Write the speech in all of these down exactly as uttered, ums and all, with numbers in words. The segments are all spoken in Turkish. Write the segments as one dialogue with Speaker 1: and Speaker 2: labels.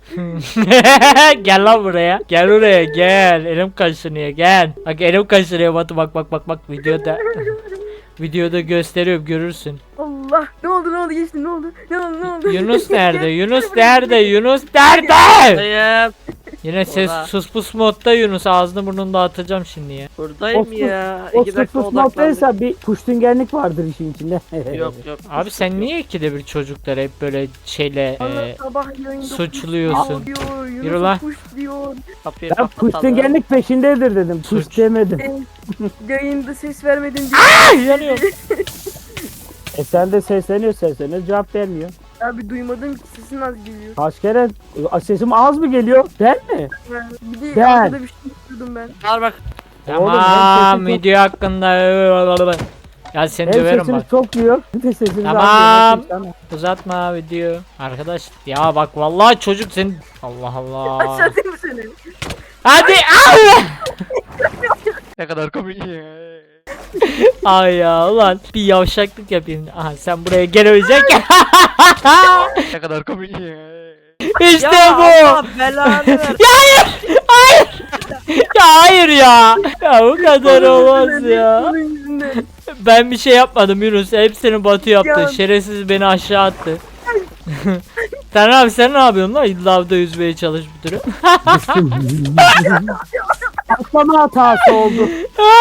Speaker 1: Gel lan buraya. Gel buraya gel. Elim kaşınıyor gel. Bak elim kaşınıyor Batu, bak bak bak bak videoda. Videoda gösteriyorum, görürsün.
Speaker 2: Allah, ne oldu ne oldu geçti ne oldu ne oldu ne oldu.
Speaker 1: Yunus nerede? Yunus nerede? Yunus nerede?
Speaker 3: Buradayım.
Speaker 1: Yine ses
Speaker 3: Burada.
Speaker 1: sus pus modda Yunus, ağzını burnunu dağıtacağım şimdi ya.
Speaker 3: Buradayım
Speaker 4: O
Speaker 3: ya.
Speaker 4: O
Speaker 3: İki dakika
Speaker 4: sıfır
Speaker 3: odaklandım.
Speaker 4: noktaysa bir puştungenlik vardır işin içinde.
Speaker 3: Yok yok.
Speaker 1: Abi sen niye ikide bir çocukları hep böyle şeyle
Speaker 2: Allah
Speaker 1: e,
Speaker 2: sabah yayında
Speaker 1: suçluyorsun?
Speaker 2: push diyor,
Speaker 1: Yürü
Speaker 2: Yunus
Speaker 1: lan.
Speaker 2: push diyor.
Speaker 3: Kapıyı
Speaker 4: Ben
Speaker 3: kapatalım.
Speaker 4: puştungenlik peşindedir dedim.
Speaker 1: Suç.
Speaker 4: Puş demedim.
Speaker 2: Ben yayında ses vermedin diye.
Speaker 1: Ay, yanıyor.
Speaker 4: E sen de sesleniyor sesleniyor cevap vermiyor.
Speaker 2: Abi duymadım ki sesin az geliyor.
Speaker 4: Kaç kere sesim az mı geliyor? Ben mi?
Speaker 2: Bir de
Speaker 4: Ben.
Speaker 2: arkada bir şey duydum ben.
Speaker 3: Al bak.
Speaker 4: Oğlum, hem
Speaker 1: Tamam,
Speaker 4: sesin
Speaker 1: video hakkında ya seni
Speaker 4: Hem
Speaker 1: döverim
Speaker 4: sesiniz
Speaker 1: bak.
Speaker 4: çok duyuyor. Bir de sesiniz az
Speaker 1: Tamam.
Speaker 4: duyuyor. Nasıl
Speaker 1: Uzatma video. Arkadaş ya bak vallahi çocuk senin. Allah Allah.
Speaker 2: Aşağıdayım seni.
Speaker 1: Hadi al.
Speaker 3: Ne kadar komik.
Speaker 1: Ay ya ulan bir yavşaklık yapayım. Aha sen buraya gelemeyeceksin.
Speaker 3: Ne kadar komik.
Speaker 1: İşte
Speaker 3: Ya
Speaker 1: bu.
Speaker 3: Allah belanı ver.
Speaker 1: Ya hayır ya. Ya bu kadar olmaz ya.
Speaker 2: Bunun yüzünden.
Speaker 1: Ben bir şey yapmadım Yunus. Hepsini Batu yaptı.
Speaker 2: Ya.
Speaker 1: Şerefsiz beni aşağı attı. Sen abi sen ne yapıyorsun lan? Lavda yüzmeye çalış bir türlü.
Speaker 4: Atlama hatası oldu.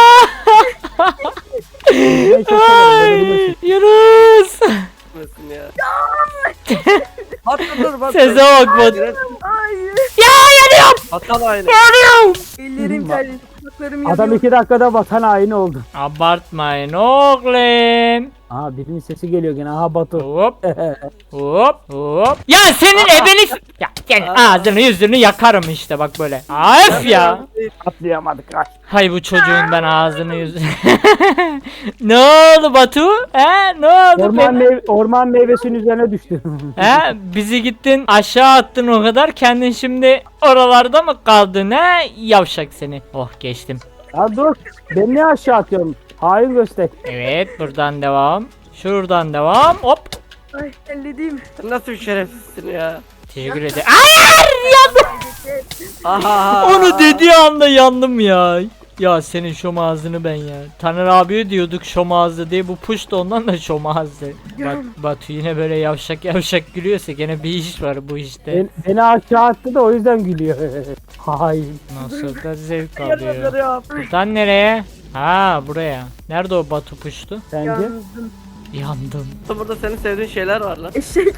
Speaker 1: Ay, Yunus.
Speaker 3: Nasılsın ya? Bak dur bak.
Speaker 1: Sese bak Batu.
Speaker 2: Hayır.
Speaker 1: Ya yanıyorum.
Speaker 3: Batal aynı.
Speaker 1: Yanıyorum.
Speaker 2: Ellerim terli. Kulaklarım
Speaker 4: Adam
Speaker 2: yanıyor.
Speaker 4: iki dakikada vatan haini oldu.
Speaker 1: Abartmayın oğlum.
Speaker 4: Aha birinin sesi geliyor gene. Aha Batu.
Speaker 1: Hop hop hop. Ya senin ebeni... Ya senin ağzını yüzünü yakarım işte bak böyle. Af ya.
Speaker 4: Atlayamadık. Ay.
Speaker 1: Hay bu çocuğun ben ağzını yüzünü. Ne oldu Batu? He ne oldu?
Speaker 4: Orman,
Speaker 1: Beni-
Speaker 4: meyve, orman meyvesinin üzerine düştü.
Speaker 1: He bizi gittin aşağı attın o kadar, kendin şimdi oralarda mı kaldın he? Yavşak seni. Oh geçtim.
Speaker 4: Ya dur. Ben niye aşağı atıyorum? Hain göster.
Speaker 1: Evet buradan devam. Şuradan devam. Hop.
Speaker 2: Ay ellediğim.
Speaker 3: Sen nasıl bir şerefsizsin ya?
Speaker 1: Teşekkür ederim. Hayır yandım.
Speaker 3: Aha.
Speaker 1: Onu dediği anda yandım ya. Ya senin şom ağzını ben ya. Taner abiye diyorduk şom ağzı diye, bu push da ondan da şom ağzı. Bak Batu yine böyle yavşak yavşak gülüyorsa gene bir iş var bu işte.
Speaker 4: Ben, beni aşağı attı da o yüzden gülüyor. Hain.
Speaker 1: Nasıl da zevk alıyor.
Speaker 3: Yanıyorum.
Speaker 1: Buradan nereye? Ha buraya. Nerede o Batu puştu?
Speaker 4: Sence?
Speaker 2: Yandım.
Speaker 1: Yandım.
Speaker 3: Burada senin sevdiğin şeyler var lan.
Speaker 2: Eşek.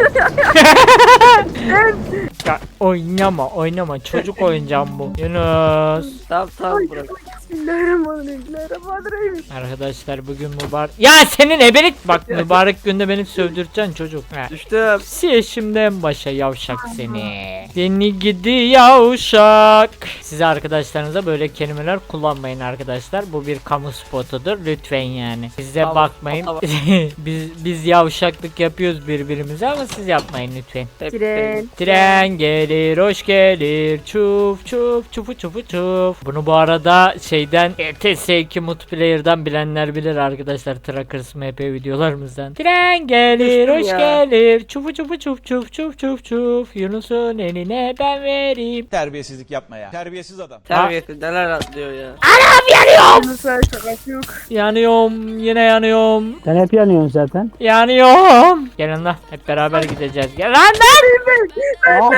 Speaker 1: Ya oynama oynama, çocuk oyuncağım bu. Yunus.
Speaker 3: Tamam tamam
Speaker 2: Ay,
Speaker 3: bırak.
Speaker 2: Bismillahirrahmanirrahim. Bismillahirrahmanirrahim.
Speaker 1: Arkadaşlar bugün mübarek... Ya senin ebelik... Bak mübarek günde beni sövdüreceksin çocuk. He.
Speaker 3: Düştüm.
Speaker 1: Siye şimdi en başa yavşak seni. Seni gidi yavşak. Size arkadaşlarınıza böyle kelimeler kullanmayın arkadaşlar. Bu bir kamu spotudur lütfen yani. Size
Speaker 3: Tamam,
Speaker 1: bakmayın.
Speaker 3: tamam.
Speaker 1: biz biz yavşaklık yapıyoruz birbirimize ama siz yapmayın lütfen.
Speaker 3: Hep
Speaker 2: Tren.
Speaker 1: Tren gelir, hoş gelir, çuf çuf çufu çufu çuf. Bunu bu arada şeyden E T S iki multiplayer'dan bilenler bilir arkadaşlar, Trackers M P videolarımızdan. Tren gelir,
Speaker 3: Düştüm
Speaker 1: hoş
Speaker 3: ya.
Speaker 1: gelir, çufu çufu çuf çuf çuf çuf çuf. Yunus'un eline ben vereyim.
Speaker 5: Terbiyesizlik yapma ya. Terbiyesiz adam.
Speaker 3: Terbiyesiz neler atlıyor ya.
Speaker 2: Yunus'a şakası yok.
Speaker 1: Yanıyorum, yine yanıyorum,
Speaker 4: Sen hep yanıyorsun zaten.
Speaker 1: yanıyorum. Gelin lan, hep beraber gideceğiz. Gel lan lan.
Speaker 4: Aa,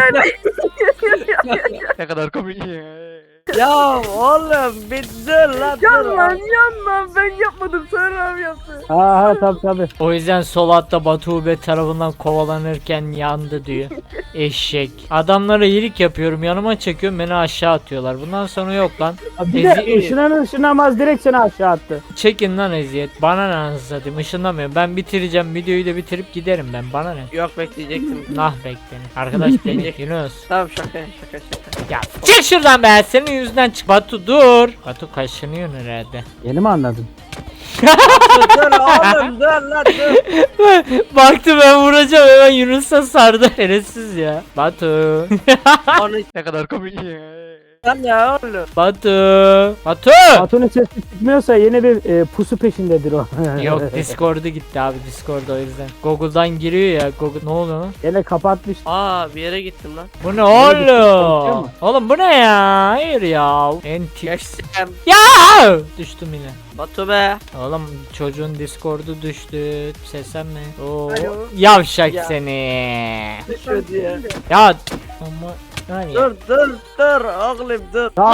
Speaker 3: Ne kadar komik ya. Ya oğlum bir dur lan dur.
Speaker 2: Yan lan yan lan, ben yapmadım, Sarı abi yaptı.
Speaker 4: aha tabi tabi.
Speaker 1: O yüzden sol altta Batu Ube tarafından kovalanırken yandı diyor. Eşek. Adamlara iyilik yapıyorum, yanıma çekiyorum, beni aşağı atıyorlar. Bundan sonra yok lan.
Speaker 4: Bir de
Speaker 1: Ezi-
Speaker 4: ışınan ışınamaz direkt seni aşağı attı.
Speaker 1: Çekin lan eziyet. Bana ne anasını satayım, ışınlamıyorum. Ben bitireceğim, videoyu da bitirip giderim ben. Bana ne?
Speaker 3: Yok bekleyecektim.
Speaker 1: Nah bekleyin. Arkadaş beni Yunus.
Speaker 3: Tamam şaka şaka şaka.
Speaker 1: Ya çık şuradan be, senin yüzünden çık. Batu dur. Batu kaşınıyor herhalde.
Speaker 4: Yeni mi anladın?
Speaker 3: dur oğlum dur lan dur.
Speaker 1: Baktı ben vuracağım, hemen Yunus'a sardı. Şerefsiz ya. Batu.
Speaker 3: Onu ne kadar komik ya. Lan ya oğlum.
Speaker 1: Batu. Batu.
Speaker 4: Batu'nun sesi çıkmıyorsa yeni bir e, pusu peşindedir o.
Speaker 1: Yok Discord'u gitti abi Discord o yüzden. Google'dan giriyor ya. Google ne oluyor lan?
Speaker 4: Yine kapatmış.
Speaker 3: Aa bir yere gittim lan.
Speaker 1: Bu ne
Speaker 4: konuşuyor
Speaker 1: oğlum?
Speaker 4: mu?
Speaker 1: Oğlum bu ne ya? Hayır ya. Enti.
Speaker 3: Geçtim.
Speaker 1: Ya! Düştüm yine.
Speaker 3: Batu be.
Speaker 1: Oğlum çocuğun Discord'u düştü. Seslenme. Oo.
Speaker 2: Alo.
Speaker 1: Yavşak
Speaker 3: Ya.
Speaker 1: seni.
Speaker 3: Düşüyor diye.
Speaker 1: Ya ama yani.
Speaker 3: Dur dur dur oğlum dur.
Speaker 4: Lan!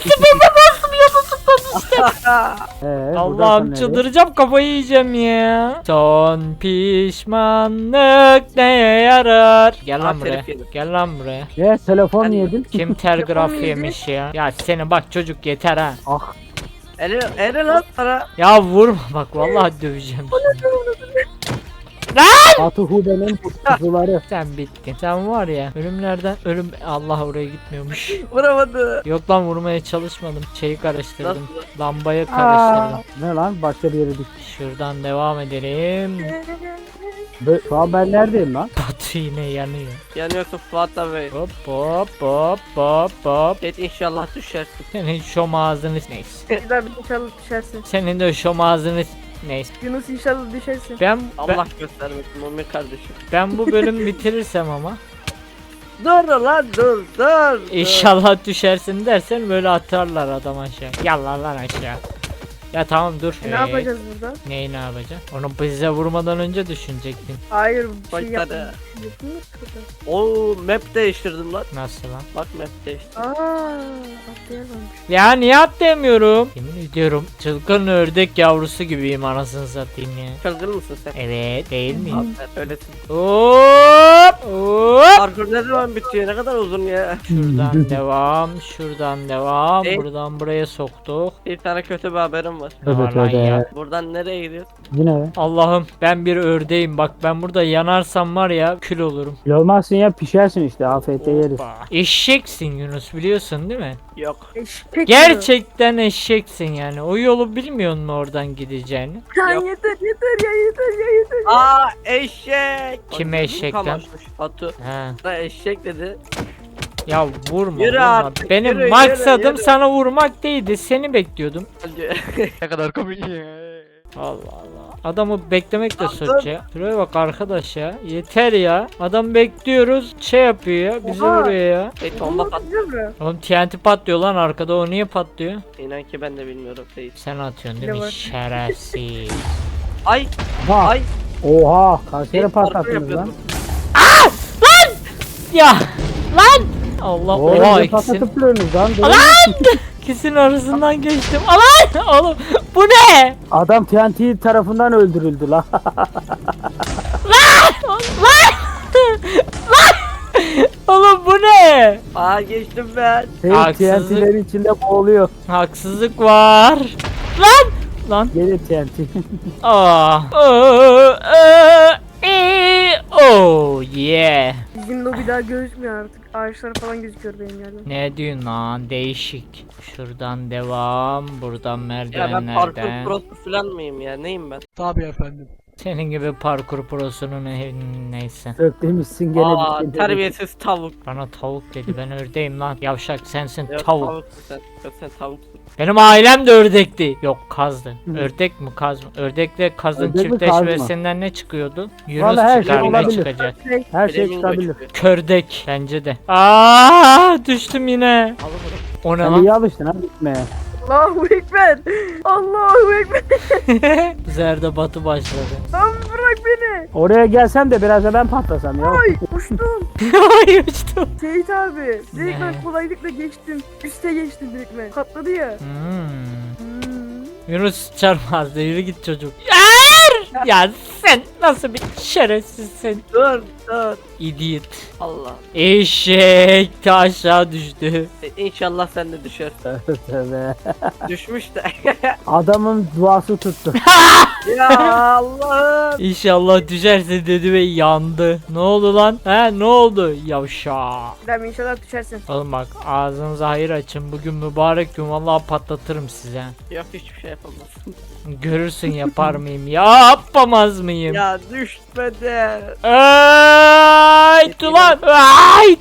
Speaker 4: Ee, buradan
Speaker 1: Allah'ım
Speaker 4: sonra
Speaker 1: çıldıracağım kafayı yiyeceğim ya. Son pişmanlık neye yarar? Gel lan
Speaker 3: Aa,
Speaker 1: buraya.
Speaker 3: telif yedim.
Speaker 1: Gel lan buraya.
Speaker 4: nereye? Ne? Telefon
Speaker 3: Ben-
Speaker 4: yedin.
Speaker 1: Kim telgraf
Speaker 2: Telefon
Speaker 1: yemiş ya? Ya seni bak çocuk yeter ha.
Speaker 4: Ah.
Speaker 3: Eli, eli lan sana.
Speaker 1: Ya vurma bak vallahi döveceğim.
Speaker 4: Batu Hube'nin pusuları.
Speaker 1: Sen bittin. Sen var ya ölümlerden ölüm Allah oraya gitmiyormuş.
Speaker 3: Vuramadı.
Speaker 1: Yok lan vurmaya çalışmadım. Şeyi karıştırdım.
Speaker 3: Nasıl?
Speaker 1: Lambayı
Speaker 4: Aa,
Speaker 1: karıştırdım.
Speaker 4: ne lan? Başka bir yere düştüm.
Speaker 1: Şuradan devam edelim.
Speaker 4: Bö- Şu an ben neredeyim lan?
Speaker 1: Batu yine yanıyor.
Speaker 3: Yanıyorsun Fuat abi.
Speaker 1: Hop hop hop hop hop.
Speaker 3: Et inşallah düşersin.
Speaker 1: Senin şom ağzını neyse.
Speaker 2: Bir daha bir inşallah düşersin.
Speaker 1: Senin de şom ağzını neyse.
Speaker 2: Yunus inşallah düşersin.
Speaker 1: Ben, ben
Speaker 3: Allah göstermesin Mumin kardeşim.
Speaker 1: ben bu bölümü bitirirsem ama
Speaker 3: Dur lan dur dur.
Speaker 1: inşallah düşersin dersen böyle atarlar adam aşağı. Yallah lan aşağı. Ya tamam dur.
Speaker 2: E,
Speaker 1: Ee,
Speaker 2: ne yapacağız burada?
Speaker 1: Neyi ne yapacaksın? Onu bize vurmadan önce düşünecektin.
Speaker 2: Hayır bir
Speaker 3: Bak
Speaker 2: şey
Speaker 3: hadi.
Speaker 2: yapmıyor. Yapılmıyor burada.
Speaker 3: Oo map değiştirdim lan.
Speaker 1: Nasıl lan?
Speaker 3: Bak map değiştirdim.
Speaker 2: Aaa atlayamamış.
Speaker 1: Ya niye atlayamıyorum? Yemin ediyorum çılgın ördek yavrusu gibiyim anasını satayım ya.
Speaker 3: Çılgın mısın sen?
Speaker 1: Evet değil mi?
Speaker 3: Aferin, öylesin.
Speaker 1: Hop hop.
Speaker 3: Parkur ne zaman bitiyor? Ne kadar uzun ya.
Speaker 1: Şuradan devam, şuradan devam.
Speaker 3: Evet.
Speaker 1: Buradan buraya soktuk.
Speaker 3: Bir tane kötü bir haberim var.
Speaker 1: Ne var lan ya?
Speaker 3: Buradan nereye gidiyoruz?
Speaker 4: Yine be.
Speaker 1: Allah'ım ben bir ördeğim bak ben burada yanarsam var ya kül olurum.
Speaker 4: Olmazsın ya pişersin işte afiyetle yeriz.
Speaker 1: Hoppa. Eşeksin Yunus biliyorsun değil mi?
Speaker 3: Yok.
Speaker 2: Eşek
Speaker 1: Gerçekten eşeksin yani. O yolu bilmiyor musun oradan gideceğini?
Speaker 2: Ya
Speaker 3: Yok.
Speaker 2: yeter yeter ya yeter ya yeter.
Speaker 3: Aa eşek.
Speaker 1: Kim
Speaker 3: Bak,
Speaker 1: eşek lan?
Speaker 3: kamaşmış. Batu
Speaker 1: He.
Speaker 3: da eşek dedi.
Speaker 1: Ya vurma
Speaker 3: Yürü
Speaker 1: vurma.
Speaker 3: artık,
Speaker 1: Benim
Speaker 3: yürü,
Speaker 1: maksadım
Speaker 3: yürü, yürü.
Speaker 1: sana vurmak değildi. Seni bekliyordum.
Speaker 3: ne kadar komik ya.
Speaker 1: Allah Allah. Adamı beklemek de
Speaker 3: Lan
Speaker 1: suç ya. Şuraya bak arkadaş ya. Yeter ya. Adam bekliyoruz. Şey yapıyor ya. Bizi
Speaker 2: Oha.
Speaker 1: vuruyor ya.
Speaker 3: Hey bomba pat.
Speaker 1: Oğlum T N T patlıyor lan arkada. O niye patlıyor?
Speaker 3: İnan ki ben de bilmiyorum değil.
Speaker 1: Sen atıyorsun değil
Speaker 2: Ne
Speaker 1: mi?
Speaker 2: var?
Speaker 1: Şerefsiz.
Speaker 3: Ay
Speaker 4: Ha.
Speaker 3: ay.
Speaker 4: Oha. Kaç yere
Speaker 3: Hey, parkur
Speaker 4: patlattınız lan?
Speaker 3: yapıyordum.
Speaker 1: Ya lan. Allah
Speaker 4: Oğlum
Speaker 1: oha
Speaker 4: ne
Speaker 1: ikisinin,
Speaker 4: patlatıp duruyorsunuz lan? Dur.
Speaker 1: ikisinin arasından geçtim. Alan oğlum bu ne?
Speaker 4: Adam T N T tarafından öldürüldü lan.
Speaker 1: Oğlum bu ne?
Speaker 3: Aa geçtim ben.
Speaker 4: Şey,
Speaker 1: Haksızlık.
Speaker 4: T N T'lerin içinde boğuluyor.
Speaker 1: Haksızlık var. Lan lan.
Speaker 4: Gelir T N T.
Speaker 1: Aa. Oo, oo, ee, oh yeah.
Speaker 2: Bizim lobi daha gözükmüyor artık. Ağaçlar falan gözüküyor benim yerden.
Speaker 1: Ne diyorsun lan değişik. Şuradan devam. Buradan
Speaker 3: Ya ben parkur
Speaker 1: merdivenlerden.
Speaker 3: prosu falan mıyım ya? Neyim ben?
Speaker 1: Senin gibi parkur prosunun ne- neyse.
Speaker 4: Söktürmüşsün gene.
Speaker 3: Aa
Speaker 4: bir şey
Speaker 3: terbiyesiz tavuk.
Speaker 1: Bana tavuk dedi ben ördeyim lan. Yavşak sensin
Speaker 3: Yok,
Speaker 1: tavuk.
Speaker 3: tavuksun sen. Yok sen tavuksun.
Speaker 1: Benim ailem de ördekti. Yok kazdı. Ördek mi kaz mı? Ördekle kazın
Speaker 4: Ördek mi, kaz mı?
Speaker 1: çiftleşmesinden ne çıkıyordu? Yunus
Speaker 4: Vallahi her şey
Speaker 1: çıkar ne
Speaker 4: olabilir.
Speaker 1: çıkacak?
Speaker 2: Şey,
Speaker 4: Her şey
Speaker 3: Flamingo
Speaker 4: çıkabilir.
Speaker 3: çıkıyor.
Speaker 1: Kördek bence de. Aa düştüm yine. O ne
Speaker 4: Sen
Speaker 1: lan?
Speaker 4: iyi alıştın ha gitmeye.
Speaker 2: Allahu Ekber. Allahu Ekber.
Speaker 1: Zerde batı başladı.
Speaker 2: Lan bırak beni.
Speaker 4: Oraya gelsem de biraz da ben patlasam ya.
Speaker 2: Ay uçtum.
Speaker 1: Ay uçtum.
Speaker 2: Seyit abi. Direkt
Speaker 1: Ne?
Speaker 2: ben kolaylıkla geçtim. Üste geçtim direkt ben. Patladı ya.
Speaker 1: Hmm.
Speaker 2: Hmm.
Speaker 1: Yunus çarpmazdı yürü git çocuk. Hayır! Ya sen nasıl bir şerefsizsin?
Speaker 3: Dur dur.
Speaker 1: Idiot.
Speaker 3: Allah.
Speaker 1: Eşek de aşağı düştü.
Speaker 3: E, İnşallah sen de düşersin.
Speaker 4: Tövbe.
Speaker 3: Düşmüş de.
Speaker 4: Adamın duası tuttu.
Speaker 3: ya Allah'ım.
Speaker 1: İnşallah düşerse dedi ve yandı. Ne oldu lan? He ne oldu? Yavşa.
Speaker 2: Ben inşallah düşersin.
Speaker 1: Oğlum bak ağzınıza hayır açın. Bugün mübarek gün vallahi patlatırım size.
Speaker 3: Yok hiçbir şey yapamazsın.
Speaker 1: Görürsün yapar mıyım? Yapamaz mıyım?
Speaker 3: ya düşmedi.
Speaker 1: Ayt ulan. Ayt.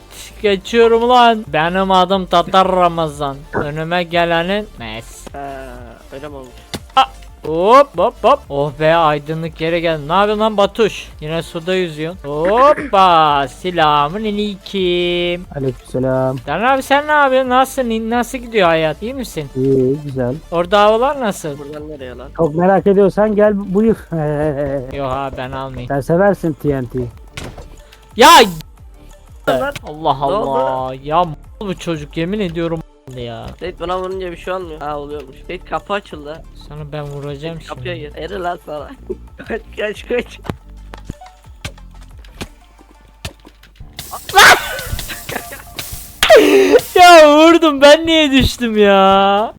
Speaker 1: geçiyorum lan. Benim adım Tatar Ramazan. Önüme gelenin mes.
Speaker 3: Ha, öyle mi olmuş?
Speaker 1: Hop hop hop. Oh be, aydınlık yere geldim. Ne yapıyorsun lan Batuş? Yine suda yüzüyorsun. Hoppa. Selamün aleyküm.
Speaker 4: Aleykümselam.
Speaker 1: Dan abi sen ne yapıyorsun? Nasılsın? Nasıl gidiyor hayat? İyi misin?
Speaker 4: İyi, güzel.
Speaker 1: Orada havalar nasıl?
Speaker 3: Buradan nereye lan?
Speaker 4: Çok merak ediyorsan gel buyur.
Speaker 1: Yok abi ben almayayım.
Speaker 4: Sen seversin T N T.
Speaker 1: Ya
Speaker 3: Lan.
Speaker 1: Allah
Speaker 3: Ne oldu?
Speaker 1: Allah. Ya m- bu çocuk yemin ediyorum ya.
Speaker 3: Seyit bana vurunca bir şey olmuyor. Ha oluyormuş. Seyit kapı açıldı.
Speaker 1: Sana ben vuracağım
Speaker 3: Kapıya
Speaker 1: şimdi.
Speaker 3: gir. Eri lan sana. kaç kaç kaç.
Speaker 1: Ya vurdum, ben niye düştüm ya?